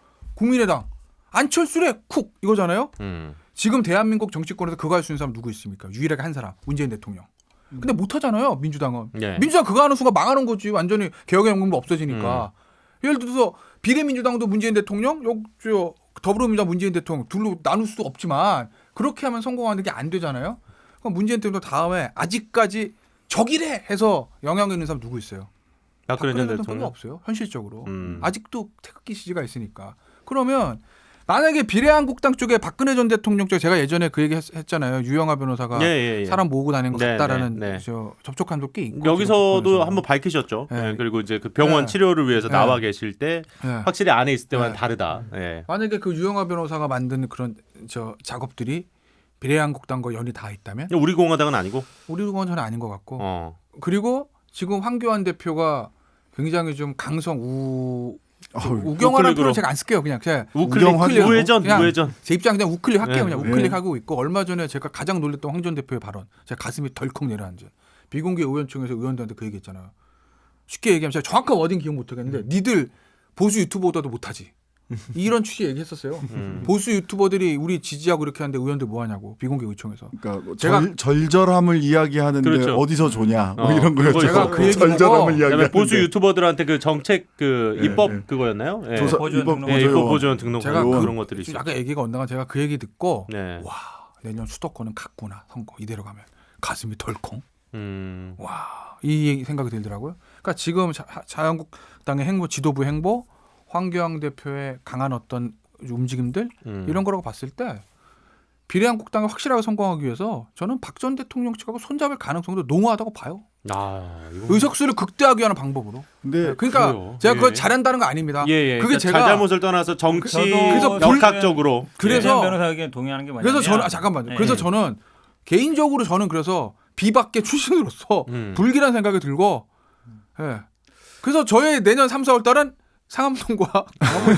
Speaker 4: 국민의당. 안철수래 쿡 이거잖아요.
Speaker 1: 음.
Speaker 4: 지금 대한민국 정치권에서 그거 할 수 있는 사람 누구 있습니까? 유일하게 한 사람. 문재인 대통령. 근데 못 하잖아요. 민주당은.
Speaker 1: 예.
Speaker 4: 민주당 그거 하는 순간 망하는 거지. 완전히 개혁의 연금도 없어지니까.
Speaker 1: 음.
Speaker 4: 예를 들어서 비례민주당도 문재인 대통령, 요, 저, 더불어민주당 문재인 대통령 둘로 나눌 수도 없지만 그렇게 하면 성공하는 게 안 되잖아요. 그럼 문재인 대통령 다음에 아직까지 적이래 해서 영향 있는 사람 누구 있어요?
Speaker 1: 박근혜 전
Speaker 4: 별로
Speaker 1: 대통령.
Speaker 4: 없어요. 현실적으로.
Speaker 1: 음.
Speaker 4: 아직도 태극기 지지가 있으니까. 그러면 만약에 비례한국당 쪽에 박근혜 전 대통령 쪽에 제가 예전에 그 얘기 했, 했잖아요. 유영아 변호사가
Speaker 1: 예, 예, 예.
Speaker 4: 사람 모으고 다니는 거
Speaker 1: 네,
Speaker 4: 같다라는
Speaker 1: 네, 네.
Speaker 4: 저 접촉한 적꽤 있고
Speaker 1: 여기서도
Speaker 4: 지금
Speaker 1: 한번 밝히셨죠.
Speaker 4: 네.
Speaker 1: 예, 그리고 이제 그 병원
Speaker 4: 네.
Speaker 1: 치료를 위해서
Speaker 4: 네.
Speaker 1: 나와 계실 때
Speaker 4: 네.
Speaker 1: 확실히 안에 있을 때만
Speaker 4: 네.
Speaker 1: 다르다. 예.
Speaker 4: 만약에 그 유영아 변호사가 만든 그런 저 작업들이 비례한국당과 연이 다 있다면
Speaker 1: 우리 공화당은 아니고.
Speaker 4: 우리 건 전혀 아닌 것 같고
Speaker 1: 어.
Speaker 4: 그리고 지금 황교안 대표가 굉장히 좀 강성 우
Speaker 2: 어우,
Speaker 4: 우경화라는
Speaker 1: 우클릭으로.
Speaker 4: 표현을 제가 안 쓸게요. 그냥 제가
Speaker 1: 우클릭,
Speaker 2: 우경화죠.
Speaker 1: 우회전,
Speaker 4: 그냥
Speaker 1: 우회전.
Speaker 4: 제 입장 그냥 우클릭 할게요.
Speaker 1: 네.
Speaker 4: 그냥 우클릭하고 있고 얼마 전에 제가 가장 놀랬던 황 전 대표의 발언. 제가 가슴이 덜컥 내려앉아. 비공개 의원총회에서 의원들한테 그 얘기했잖아요. 쉽게 얘기하면 제가 정확한 워딩 기억 못하겠는데 니들 보수 유튜버보다도 못하지. 이런 취지 얘기했었어요.
Speaker 1: 음.
Speaker 4: 보수 유튜버들이 우리 지지하고 이렇게 하는데 의원들 뭐 하냐고 비공개 의총에서.
Speaker 2: 그러니까 뭐
Speaker 4: 제가-
Speaker 2: 절, 절절함을 이야기하는데
Speaker 1: 그렇죠.
Speaker 2: 어디서 조냐 뭐
Speaker 1: 어,
Speaker 2: 이런 거였죠.
Speaker 1: 그거
Speaker 4: 제가 그 얘기 보고
Speaker 2: 절절함을
Speaker 1: 그다음에
Speaker 2: 이야기하는데
Speaker 1: 보수 유튜버들한테 그 정책 그
Speaker 2: 예,
Speaker 1: 입법
Speaker 2: 예.
Speaker 1: 그거였나요? 예.
Speaker 2: 조사
Speaker 3: 보조원
Speaker 2: 입법
Speaker 3: 등록
Speaker 1: 예,
Speaker 2: 보조원.
Speaker 1: 입법 보조원 등록
Speaker 4: 제가
Speaker 1: 그런
Speaker 2: 그-
Speaker 1: 그런 것들이
Speaker 4: 좀
Speaker 1: 있어요.
Speaker 4: 약간 얘기가 언당한 제가 그 얘기 듣고
Speaker 1: 네.
Speaker 4: 와 내년 수도권은 갔구나 선거 이대로 가면 가슴이 덜컹.
Speaker 1: 음.
Speaker 4: 와, 이 생각이 들더라고요. 그러니까 지금 자, 자유한국당의 행보, 지도부 행보, 황교안 대표의 강한 어떤 움직임들
Speaker 1: 음.
Speaker 4: 이런 거라고 봤을 때 비례한국당이 확실하게 성공하기 위해서 저는 박 전 대통령 측하고 손잡을 가능성도 농후하다고 봐요.
Speaker 1: 아, 이거
Speaker 4: 의석수를 극대화하기 위한 방법으로.
Speaker 2: 근데
Speaker 4: 그러니까
Speaker 1: 그래요.
Speaker 4: 제가 그걸
Speaker 1: 예.
Speaker 4: 잘한다는 거 아닙니다.
Speaker 1: 예, 예.
Speaker 4: 그게
Speaker 1: 그러니까
Speaker 4: 제가
Speaker 1: 잘잘못을 떠나서 정치
Speaker 3: 저도
Speaker 1: 역학적으로
Speaker 4: 그래서-
Speaker 3: 그래서 변호사 의견 동의하는 게 뭐냐면
Speaker 4: 그래서 저는 아, 잠깐만요.
Speaker 3: 예.
Speaker 4: 그래서 저는 개인적으로 저는 그래서 비박계 출신으로서
Speaker 1: 음.
Speaker 4: 불길한 생각이 들고, 예. 그래서 저의 내년 삼, 사월 달은 상암동과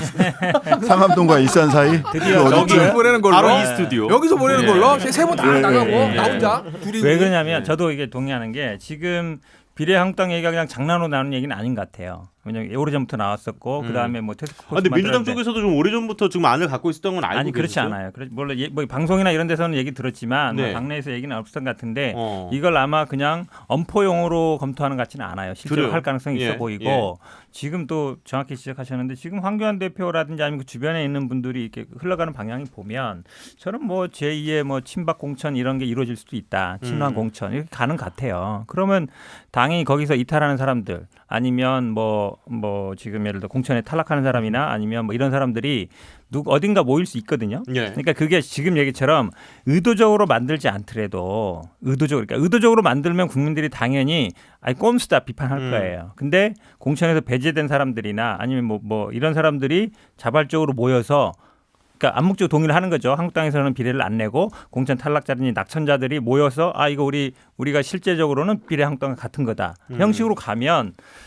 Speaker 2: 상암동과 일산 사이
Speaker 3: 드디어
Speaker 2: 그
Speaker 1: 저기-
Speaker 2: 어디쯤?
Speaker 4: 보내는 걸로
Speaker 1: 바로 이 스튜디오.
Speaker 4: 여기서 보내는
Speaker 1: 예.
Speaker 4: 걸로 세 번 다
Speaker 2: 예,
Speaker 4: 나가고
Speaker 2: 예,
Speaker 4: 나
Speaker 1: 예.
Speaker 4: 혼자 둘이
Speaker 3: 왜 그러냐면
Speaker 1: 예.
Speaker 3: 저도 이게 동의하는 게 지금 비례한국당 얘기가 그냥 장난으로 나오는 얘기는 아닌 것 같아요. 왜냐하면 오래전부터 나왔었고
Speaker 1: 음.
Speaker 3: 그다음에 뭐 테스크포스
Speaker 1: 아, 근데 민주당
Speaker 3: 만들었는데
Speaker 1: 쪽에서도 좀 오래전부터 지금 안을 갖고 있었던 건 알고
Speaker 3: 아니 그렇지
Speaker 1: 계시죠?
Speaker 3: 않아요. 그렇 물론 예, 뭐 방송이나 이런 데서는 얘기 들었지만
Speaker 1: 네.
Speaker 3: 뭐 당내에서 얘기는 없었던 것 같은데
Speaker 1: 어.
Speaker 3: 이걸 아마 그냥 엄포용으로 검토하는 것 같지는 않아요. 실제로
Speaker 1: 그래요?
Speaker 3: 할 가능성이 있어
Speaker 1: 예,
Speaker 3: 보이고
Speaker 1: 예.
Speaker 3: 지금 또 정확히 지적하셨는데 지금 황교안 대표라든지 아니면 그 주변에 있는 분들이 이렇게 흘러가는 방향이 보면 저는 뭐 제이의 뭐 친박 공천 이런 게 이루어질 수도 있다. 친환
Speaker 1: 음.
Speaker 3: 공천 이렇게 가는 것 같아요. 그러면 당연히 거기서 이탈하는 사람들 아니면 뭐 뭐 지금 예를 들어 공천에 탈락하는 사람이나 아니면 뭐 이런 사람들이 누구 어딘가 모일 수 있거든요.
Speaker 1: 예.
Speaker 3: 그러니까 그게 지금 얘기처럼 의도적으로 만들지 않더라도 의도적으로 그러니까 의도적으로 만들면 국민들이 당연히 아니 꼼수다 비판할
Speaker 1: 음.
Speaker 3: 거예요. 근데 공천에서 배제된 사람들이나 아니면 뭐, 뭐 이런 사람들이 자발적으로 모여서 그러니까 암묵적 동의를 하는 거죠. 한국당에서는 비례를 안 내고 공천 탈락자들이 낙천자들이 모여서 아 이거 우리 우리가 실제적으로는 비례 한국당과 같은 거다.
Speaker 1: 음.
Speaker 3: 형식으로 가면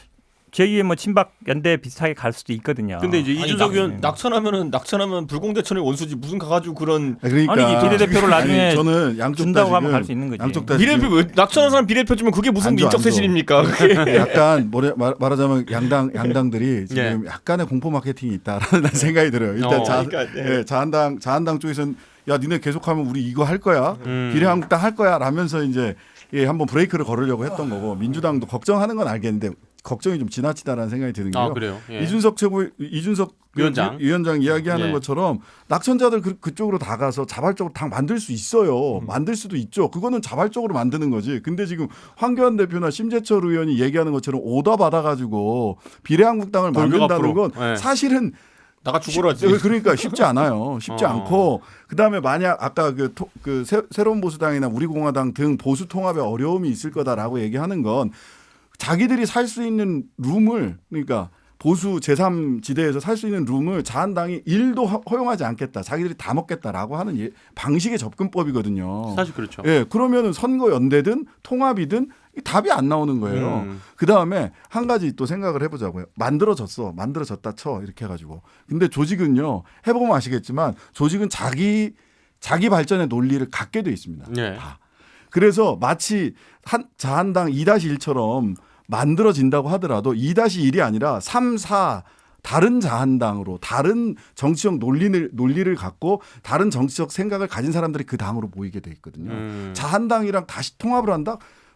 Speaker 3: 제이의 뭐 친박 연대 비슷하게 갈 수도 있거든요.
Speaker 1: 근데 이제
Speaker 5: 아니,
Speaker 1: 이준석
Speaker 5: 낙,
Speaker 1: 의원
Speaker 5: 낙천하면은 낙천하면 불공대천의 원수지 무슨 가가지고 그런
Speaker 2: 그러니까
Speaker 3: 아니, 이 비례대표를 나중에
Speaker 2: 아니, 저는 양쪽
Speaker 3: 준다고
Speaker 2: 다
Speaker 3: 하면
Speaker 2: 지금
Speaker 3: 갈 수 있는 거지.
Speaker 2: 양쪽 다
Speaker 5: 비례표
Speaker 2: 지금
Speaker 5: 왜 낙천한 사람 비례표 주면 그게 무슨
Speaker 2: 안 줘,
Speaker 5: 인적
Speaker 2: 안 줘.
Speaker 5: 쇄신입니까? 그게.
Speaker 2: 약간 뭐래 말, 말하자면 양당 양당들이 지금 약간의 공포 마케팅이 있다라는 생각이 들어요. 일단
Speaker 1: 어,
Speaker 2: 자,
Speaker 5: 그러니까, 네.
Speaker 2: 예, 자한당 자한당 쪽에서는 야 니네 계속하면 우리 이거 할 거야
Speaker 1: 음.
Speaker 2: 비례한국당 할 거야 라면서 이제 예, 한번 브레이크를 걸으려고 했던 거고 민주당도 걱정하는 건 알겠는데 걱정이 좀 지나치다라는 생각이 드는 게요.
Speaker 1: 아 그래요. 예.
Speaker 2: 이준석 최고 이준석
Speaker 1: 위원장.
Speaker 2: 위- 위원장 이야기하는
Speaker 1: 예.
Speaker 2: 것처럼 낙천자들 그, 그쪽으로 다 가서 자발적으로 당 만들 수 있어요.
Speaker 1: 음.
Speaker 2: 만들 수도 있죠. 그거는 자발적으로 만드는 거지. 근데 지금 황교안 대표나 심재철 의원이 얘기하는 것처럼 오더 받아가지고 비례한국당을
Speaker 1: 돌격
Speaker 2: 만든다는 건
Speaker 1: 앞으로. 예.
Speaker 2: 사실은
Speaker 5: 나가 죽어라지.
Speaker 2: 쉽- 그러니까 쉽지 않아요. 쉽지
Speaker 1: 어.
Speaker 2: 않고 그다음에 만약 아까 그, 토, 그 새, 새로운 보수당이나 우리공화당 등 보수 통합에 어려움이 있을 거다라고 얘기하는 건 자기들이 살 수 있는 룸을 그러니까 보수 제삼 지대에서 살 수 있는 룸을 자한당이 일도 허- 허용하지 않겠다. 자기들이 다 먹겠다라고 하는 예, 방식의 접근법이거든요.
Speaker 1: 사실 그렇죠.
Speaker 2: 예, 그러면은 선거 연대든 통합이든 이 답이 안 나오는 거예요.
Speaker 1: 음.
Speaker 2: 그 다음에 한 가지 또 생각을 해보자고요. 만들어졌어, 만들어졌다 쳐 이렇게 해가지고. 근데 조직은요 해보면 아시겠지만 조직은 자기 자기 발전의 논리를 갖게 돼 있습니다.
Speaker 1: 예.
Speaker 2: 다. 그래서 마치 한 자한당 이 다시 일처럼 만들어진다고 하더라도 이 다시 일이 아니라 삼, 사 다른 자한당으로 다른 정치적 논리를 논리를 갖고 다른 정치적 생각을 가진 사람들이 그 당으로 모이게 돼 있거든요.
Speaker 1: 음.
Speaker 2: 자한당이랑 다시 통합을 한다?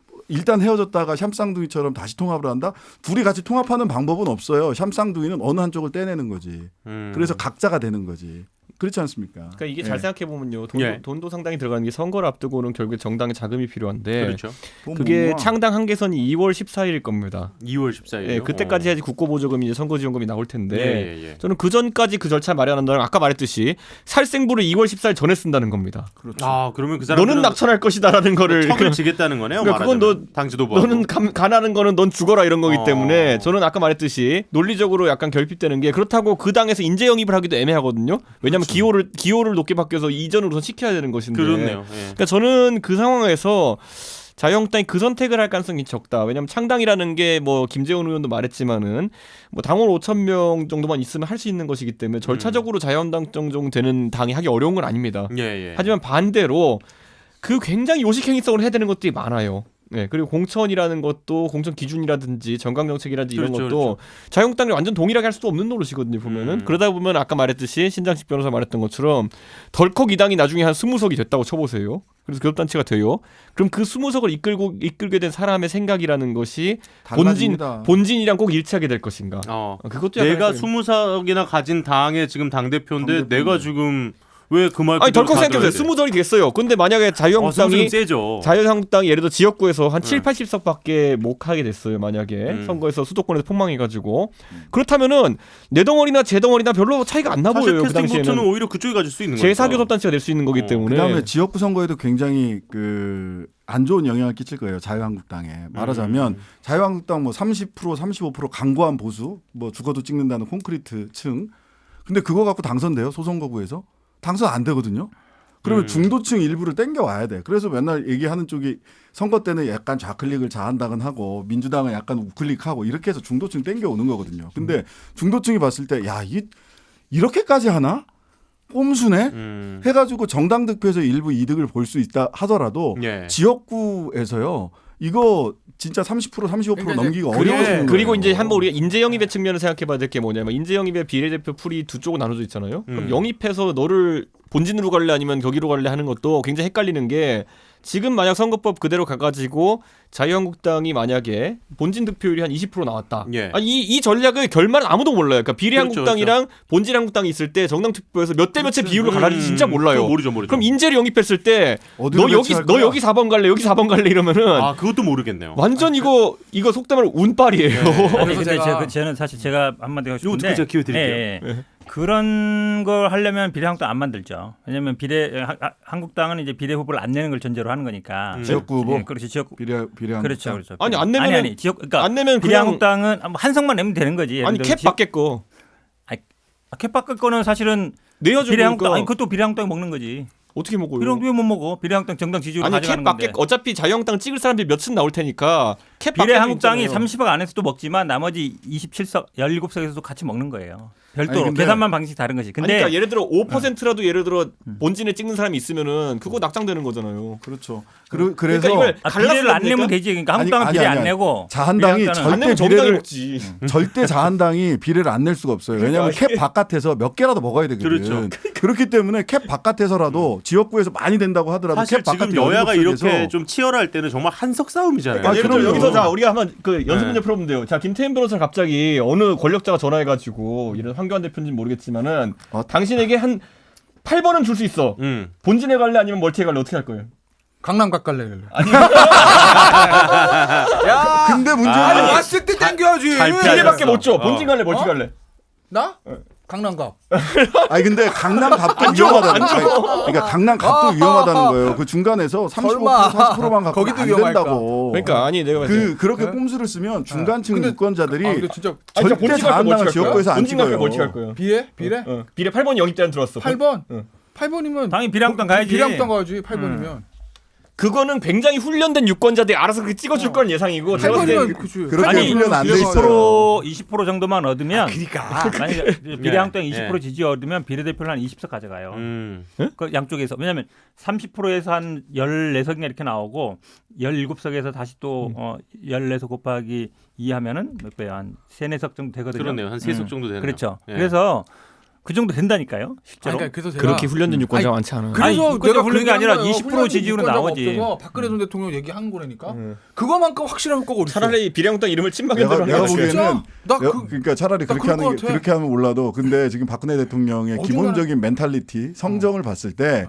Speaker 2: 일단 헤어졌다가 샴쌍둥이처럼 다시 통합을 한다? 둘이 같이 통합하는 방법은 없어요. 샴쌍둥이는 어느 한쪽을 떼내는 거지.
Speaker 1: 음.
Speaker 2: 그래서 각자가 되는 거지. 그렇지 않습니까?
Speaker 5: 그러니까 이게
Speaker 2: 예.
Speaker 5: 잘 생각해 보면요, 돈도,
Speaker 1: 예.
Speaker 5: 돈도 상당히 들어가는 게 선거를 앞두고는 결국에 정당의 자금이 필요한데
Speaker 1: 그렇죠.
Speaker 2: 돈
Speaker 5: 그게
Speaker 2: 못 모아.
Speaker 5: 창당 한계선이 이월 십사일일 겁니다.
Speaker 1: 이월 십사일.
Speaker 5: 예, 그때까지 해야지 국고보조금이 이제 선거지원금이 나올 텐데
Speaker 1: 예, 예, 예.
Speaker 5: 저는 그 전까지 그 절차 마련한다는 아까 말했듯이 살생부를 이월 십사일 전에 쓴다는 겁니다.
Speaker 2: 그렇죠.
Speaker 1: 아 그러면 그 사람들은
Speaker 5: 너는 낙천할 것이다라는 거를
Speaker 1: 턱을 지겠다는 거네요.
Speaker 5: 그러니까 그건
Speaker 1: 말하자면. 당 지도부하고.
Speaker 5: 너는 감, 가난한 거는 넌 죽어라 이런 거기
Speaker 1: 어.
Speaker 5: 때문에 저는 아까 말했듯이 논리적으로 약간 결핍되는 게 그렇다고 그 당에서 인재 영입을 하기도 애매하거든요. 왜냐하면
Speaker 2: 그렇죠.
Speaker 5: 기호를 기호를 높게 바뀌어서 이전으로 시켜야 되는 것인데.
Speaker 1: 그렇네요. 예.
Speaker 5: 그러니까 저는 그 상황에서 자유한국당이 그 선택을 할 가능성이 적다. 왜냐하면 창당이라는 게 뭐 김재원 의원도 말했지만은 뭐 당원 오천 명 정도만 있으면 할 수 있는 것이기 때문에 절차적으로 자유한국당 정도 되는 당이 하기 어려운 건 아닙니다.
Speaker 1: 예, 예.
Speaker 5: 하지만 반대로 그 굉장히 요식행위성을 해야 되는 것들이 많아요. 네, 그리고 공천이라는 것도 공천 기준이라든지 정강 정책이라든지 이런
Speaker 1: 그렇죠,
Speaker 5: 것도 자유한국당이 완전 동일하게 할 수도 없는 노릇이거든요. 보면은
Speaker 1: 음.
Speaker 5: 그러다 보면 아까 말했듯이 신장식 변호사 말했던 것처럼 덜컥 이 당이 나중에 한 스무 석이 됐다고 쳐보세요. 그래서 교섭단체가 돼요. 그럼 그 스무 석을 이끌고 이끌게 된 사람의 생각이라는 것이 본진
Speaker 2: 달라집니다.
Speaker 5: 본진이랑 꼭 일치하게 될 것인가?
Speaker 1: 어.
Speaker 5: 어, 그것도 약간
Speaker 1: 내가
Speaker 5: 헷갈리네.
Speaker 1: 스무 석이나 가진 당의 지금 당 대표인데
Speaker 2: 당대표인데.
Speaker 1: 내가 지금 왜 그 말
Speaker 5: 아니 덜컥 생각해보세요. 스무 석이 됐어요. 근데 만약에 자유한국당이
Speaker 1: 세죠.
Speaker 5: 자유한국당이 예를 들어 지역구에서 한
Speaker 1: 네.
Speaker 5: 칠, 팔십 석밖에 못 하게 됐어요. 만약에
Speaker 1: 음.
Speaker 5: 선거에서 수도권에서 폭망해가지고 그렇다면은 내 덩어리나 제 덩어리나 별로 차이가 안 나
Speaker 1: 사실
Speaker 5: 보여요. 그
Speaker 1: 캐스팅 보트는
Speaker 5: 당시에는
Speaker 1: 오히려 그쪽이 가질 수 있는 거죠.
Speaker 5: 제사 교섭단체가 될 수 있는 거기
Speaker 1: 어,
Speaker 5: 때문에
Speaker 2: 그다음에 지역구 선거에도 굉장히 그 안 좋은 영향을 끼칠 거예요. 자유한국당에. 말하자면
Speaker 1: 음.
Speaker 2: 자유한국당 뭐 삼십 퍼센트 삼십오 퍼센트 강고한 보수 뭐 죽어도 찍는다는 콘크리트층. 근데 그거 갖고 당선돼요. 소선거구에서. 당선 안 되거든요. 그러면
Speaker 1: 음.
Speaker 2: 중도층 일부를 땡겨 와야 돼. 그래서 맨날 얘기하는 쪽이 선거 때는 약간 좌클릭을 자한당은 하고 민주당은 약간 우클릭하고 이렇게 해서 중도층 땡겨 오는 거거든요. 근데 중도층이 봤을 때 야, 이 이렇게까지 하나? 꼼수네?
Speaker 1: 음.
Speaker 2: 해가지고 정당 득표에서 일부 이득을 볼 수 있다 하더라도
Speaker 1: 예.
Speaker 2: 지역구에서요 이거 진짜 삼십 퍼센트 삼십오 퍼센트
Speaker 4: 그러니까
Speaker 2: 넘기가
Speaker 1: 그리고-
Speaker 2: 어려워지는 거예요.
Speaker 5: 그리고 이제 한번 우리가 인재 영입의 측면을 생각해봐야 될 게 뭐냐면 인재 영입의 비례대표 풀이 두 쪽으로 나눠져 있잖아요. 그럼
Speaker 1: 음.
Speaker 5: 영입해서 너를 본진으로 갈래 아니면 거기로 갈래 하는 것도 굉장히 헷갈리는 게 지금 만약 선거법 그대로 가가지고 자유한국당이 만약에 본진 득표율이 한 이십 퍼센트 나왔다.
Speaker 1: 예.
Speaker 5: 아, 이, 이 전략을 결말은 아무도 몰라요. 그러니까 비례한국당이랑 본진 한국당이 있을 때 정당 투표에서 몇 대 몇의 비율로 갈라질지 진짜 몰라요.
Speaker 1: 그거 모르죠, 모르죠.
Speaker 5: 그럼 인재를 영입했을 때 너
Speaker 2: 어디로
Speaker 5: 여기
Speaker 2: 배치할
Speaker 5: 너
Speaker 2: 거야?
Speaker 5: 여기 사 번 갈래 여기 사 번 갈래 이러면은
Speaker 1: 아 그것도 모르겠네요.
Speaker 5: 완전 이거 이거 속담을 운빨이에요.
Speaker 3: 아니
Speaker 4: 그래서
Speaker 3: 근데
Speaker 4: 제가-
Speaker 3: 제가 그 저는 사실 제가 한마디 하고
Speaker 1: 요거
Speaker 3: 싶은데
Speaker 1: 듣고 제가 기회 드릴게요.
Speaker 3: 예, 예. 그런 걸 하려면 비례한국당 안 만들죠. 왜냐하면 비례 하- 하- 한국당은 이제 비례 후보를 안 내는 걸 전제로 하는 거니까.
Speaker 1: 음.
Speaker 2: 지역구 후보?
Speaker 3: 예, 그렇지 지역구.
Speaker 2: 비례 비례
Speaker 3: 그렇죠, 그렇죠.
Speaker 5: 아니, 안 내면은-
Speaker 3: 아니 아니 지역 그러니까
Speaker 5: 안 내면 그냥
Speaker 3: 비례한국당은 한 석만 내면 되는 거지. 예를
Speaker 5: 아니
Speaker 3: 들어
Speaker 5: 캡
Speaker 3: 지역-
Speaker 5: 받겠 거
Speaker 3: 아, 캡 바꿀 거는 사실은
Speaker 5: 내야죠.
Speaker 3: 비례한국당
Speaker 5: 그러니까.
Speaker 3: 아니 그것도 비례한국당이 먹는 거지.
Speaker 5: 어떻게 먹어요?
Speaker 3: 비례한국당 왜 못 먹어? 비례한국당 정당 지지율
Speaker 5: 아니 캡
Speaker 3: 가져가는
Speaker 5: 밖에
Speaker 3: 건데.
Speaker 5: 어차피 자유한국당 찍을 사람들이 몇은 나올 테니까 캡 밖에도
Speaker 3: 비례한국당이
Speaker 5: 있잖아요.
Speaker 3: 삼십억 안에서도 먹지만 나머지 이십칠 석, 열일곱 석에서도 같이 먹는 거예요. 별도로
Speaker 2: 아니, 근데-
Speaker 3: 계산만 방식이 다른 것이.
Speaker 5: 아니,
Speaker 3: 근데
Speaker 5: 그러니까 예를 들어 오 퍼센트라도 예를 들어 본진에 찍는 사람이 있으면은 그거 낙장되는 거잖아요.
Speaker 2: 그렇죠. 그그 그래서
Speaker 5: 그러니까 이걸
Speaker 3: 아, 비례를 안
Speaker 5: 갈라서
Speaker 3: 내면 되지. 그러니까 한국당은
Speaker 2: 아니,
Speaker 3: 비례
Speaker 2: 아니,
Speaker 3: 안
Speaker 2: 아니.
Speaker 3: 내고
Speaker 2: 자한당이
Speaker 3: 비례한국당은
Speaker 5: 안
Speaker 2: 절대
Speaker 5: 내면 정당이
Speaker 2: 비례를
Speaker 5: 먹지.
Speaker 2: 절대 자한당이 비례를 안 낼 수가 없어요. 왜냐하면
Speaker 5: 그러니까
Speaker 2: 캡 바깥에서 몇 개라도 먹어야 되거든.
Speaker 1: 그렇죠.
Speaker 2: 그렇기 때문에 캡 바깥에서라도 지역구에서 많이 된다고 하더라도
Speaker 1: 사실
Speaker 2: 캡 바깥
Speaker 1: 지금 여야가
Speaker 2: 열일곱
Speaker 1: 이렇게
Speaker 2: 석에서
Speaker 1: 좀 치열할 때는 정말 한석 싸움이잖아요.
Speaker 5: 그러니까 예를 들어
Speaker 2: 그럼요.
Speaker 5: 여기서 자 우리가 한번 그 연습
Speaker 1: 네.
Speaker 5: 문제 풀어보면 돼요. 자 김태현 변호사 갑자기 어느 권력자가 전화해가지고 이런 황교안 대표인지 모르겠지만은
Speaker 2: 어?
Speaker 5: 당신에게 한 팔 번은 줄 수 있어.
Speaker 1: 음.
Speaker 5: 본진에 갈래 아니면 멀티에 갈래 어떻게 할 거예요?
Speaker 4: 강남 가깔래.
Speaker 2: 야, 근데 문제는
Speaker 1: 아,
Speaker 4: 아니
Speaker 1: 아니,
Speaker 4: 왔을 때 땡겨야지.
Speaker 1: 잘 피하셨어.
Speaker 5: 비례밖에 못 줘.
Speaker 1: 어.
Speaker 5: 본진 갈래 멀티
Speaker 4: 어?
Speaker 5: 갈래?
Speaker 4: 나? 강남 가.
Speaker 2: 아니 근데 강남 갑도 위험하다는 거예요. 그러니까 강남 갑도
Speaker 4: 아,
Speaker 2: 위험하다는
Speaker 4: 아,
Speaker 2: 거예요. 그 중간에서 삼십오 퍼센트
Speaker 4: 설마.
Speaker 2: 사십 퍼센트만 갖고
Speaker 4: 거기도
Speaker 2: 안
Speaker 4: 위험할까?
Speaker 2: 된다고.
Speaker 5: 그러니까 아니 내가 봤을 때
Speaker 2: 그 그렇게
Speaker 4: 네?
Speaker 2: 꼼수를 쓰면 중간층
Speaker 4: 근데-
Speaker 2: 유권자들이
Speaker 4: 아, 근데 진짜
Speaker 5: 아니, 진짜
Speaker 2: 절대
Speaker 5: 본진 갈게
Speaker 2: 자한당을
Speaker 5: 멀티 갈 거야?
Speaker 2: 지역구에서 안
Speaker 5: 본진 갈게
Speaker 2: 찍어요.
Speaker 5: 멀티 갈 거예요.
Speaker 4: 비례? 비례?
Speaker 5: 어. 비례 팔 번 영입대안 들어왔어.
Speaker 4: 팔 번?
Speaker 5: 응.
Speaker 4: 팔 번이면
Speaker 3: 당연히 비례한국당 가야지.
Speaker 4: 비례한국당 가야지. 팔 번이면.
Speaker 5: 그거는 굉장히 훈련된 유권자들이 알아서 그렇게 찍어줄 건 예상이고
Speaker 4: 팔
Speaker 5: 제가 봤을 때
Speaker 4: 번이면 그치.
Speaker 2: 그렇게
Speaker 3: 아니
Speaker 2: 훈련 안 돼
Speaker 3: 이십
Speaker 2: 있어요.
Speaker 3: 퍼센트 이십 퍼센트 정도만 얻으면
Speaker 4: 그러니까.
Speaker 3: 만약에 비례한국당
Speaker 1: 예,
Speaker 3: 이십 퍼센트 지지 얻으면 비례대표를 한 이십 석 가져가요.
Speaker 1: 음.
Speaker 3: 그 양쪽에서 왜냐하면 삼십 퍼센트에서 한 열네 석이나 이렇게 나오고 열일곱 석에서 다시 또 어, 열네 석 곱하기 이 하면은 몇 배야? 한 세네 석 정도 되거든요.
Speaker 1: 그러네요. 한 세 석
Speaker 3: 음.
Speaker 1: 정도 되네요.
Speaker 3: 그렇죠.
Speaker 1: 예.
Speaker 3: 그래서 그 정도 된다니까요. 실제로.
Speaker 4: 그러니까 그래서 제가
Speaker 5: 그렇게 훈련된 유권자가
Speaker 4: 아니,
Speaker 5: 많지 않아.
Speaker 3: 아니,
Speaker 4: 그래서
Speaker 3: 유권자
Speaker 4: 내가
Speaker 3: 훈련이
Speaker 4: 그
Speaker 3: 아니라
Speaker 4: 얘기한 거예요.
Speaker 3: 이십 퍼센트
Speaker 4: 훈련된
Speaker 3: 지지율은
Speaker 4: 유권자가
Speaker 3: 나오지.
Speaker 4: 없어서 박근혜 전 대통령 얘기한 거라니까.
Speaker 5: 음.
Speaker 4: 그거만큼 확실한 효과가 어디 있어?
Speaker 5: 차라리 비례한국당 이름을 침방에
Speaker 2: 내가,
Speaker 5: 들어가는
Speaker 2: 내가
Speaker 5: 게 낫지.
Speaker 2: 보기에는
Speaker 4: 나
Speaker 2: 내가-
Speaker 4: 그-
Speaker 2: 그러니까 차라리
Speaker 4: 나
Speaker 2: 그렇게
Speaker 4: 그럴
Speaker 2: 하는
Speaker 4: 것
Speaker 2: 게
Speaker 4: 같아.
Speaker 2: 그렇게 하면 몰라도 근데 지금 박근혜 대통령의
Speaker 4: 어중간한-
Speaker 2: 기본적인 멘탈리티 성정을 봤을 때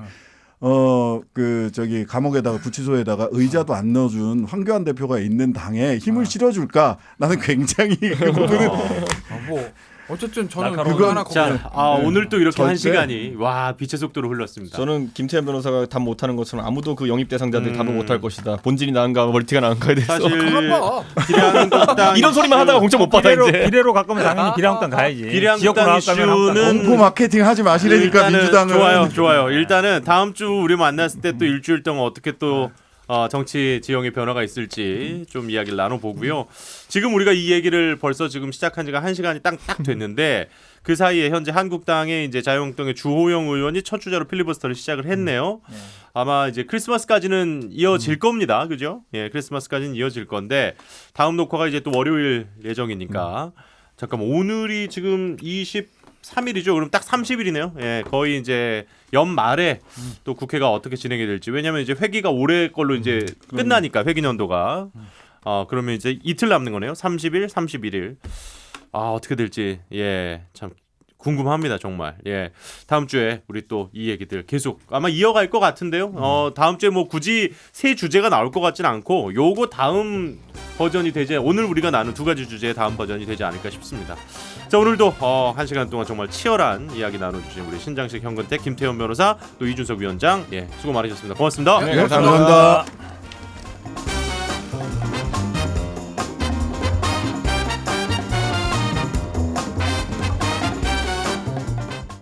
Speaker 2: 어 그 저기 감옥에다가 구치소에다가 의자도 안 넣어준 황교안 대표가 있는 당에 힘을 실어줄까 나는 굉장히 그 부분은
Speaker 4: 아, 뭐 어쨌든 저는
Speaker 3: 날카로운
Speaker 4: 그거 하나
Speaker 1: 자,
Speaker 4: 걱정.
Speaker 1: 아,
Speaker 2: 네.
Speaker 1: 오늘 또 이렇게 한
Speaker 2: 절대.
Speaker 1: 시간이 와 빛의 속도로 흘렀습니다.
Speaker 5: 저는 김태현 변호사가 답 못하는 것처럼 아무도 그 영입 대상자들이
Speaker 1: 음.
Speaker 5: 답을 못할 것이다. 본진이 나은가 멀티가 나은가에 대해서
Speaker 1: 사실
Speaker 4: 가만 봐.
Speaker 1: 비례한국당
Speaker 5: 이런 소리만 하다가 공천 못 받아
Speaker 3: 비례로,
Speaker 5: 이제.
Speaker 3: 비례로 가까면 당연히 비례한국당 가야지.
Speaker 1: 비례한국당
Speaker 3: 지역구 나가면 한국당
Speaker 1: 이슈는-
Speaker 2: 공포 마케팅 하지 마시라니까
Speaker 1: 일단은
Speaker 2: 민주당은
Speaker 1: 좋아요, 좋아요. 일단은 다음 주 우리 만났을 때 또 일주일 동안 어떻게 또 어, 정치 지형의 변화가 있을지 좀 이야기를 나눠보고요. 지금 우리가 이 얘기를 벌써 지금 시작한 지가 한 시간이 딱, 딱 됐는데 그 사이에 현재 한국당의 이제 자유한국당의 주호영 의원이 첫 주자로 필리버스터를 시작을 했네요. 아마 이제 크리스마스까지는 이어질 겁니다. 그죠? 예, 크리스마스까지는 이어질 건데 다음 녹화가 이제 또 월요일 예정이니까 잠깐만 오늘이 지금 이십삼 일이죠. 그럼 딱 삼십 일이네요. 예, 거의 이제 연말에 또 국회가 어떻게 진행이 될지. 왜냐면 이제 회기가 올해 걸로 이제 끝나니까 회기 년도가. 어, 그러면 이제 이틀 남는 거네요. 삼십 일, 삼십일 일. 아, 어떻게 될지. 예. 참 궁금합니다, 정말. 예. 다음 주에 우리 또 이 얘기들 계속 아마 이어갈 것 같은데요. 어, 다음 주에 뭐 굳이 새 주제가 나올 것 같진 않고 요거 다음 버전이 되지 오늘 우리가 나눈 두 가지 주제의 다음 버전이 되지 않을까 싶습니다. 자, 오늘도 어, 한 시간 동안 정말 치열한 이야기 나눠주신 우리 신장식 현근택 김태현 변호사 또 이준석 위원장 예 수고 많으셨습니다. 고맙습니다.
Speaker 5: 네,
Speaker 2: 네,
Speaker 5: 감사합니다.
Speaker 2: 감사합니다.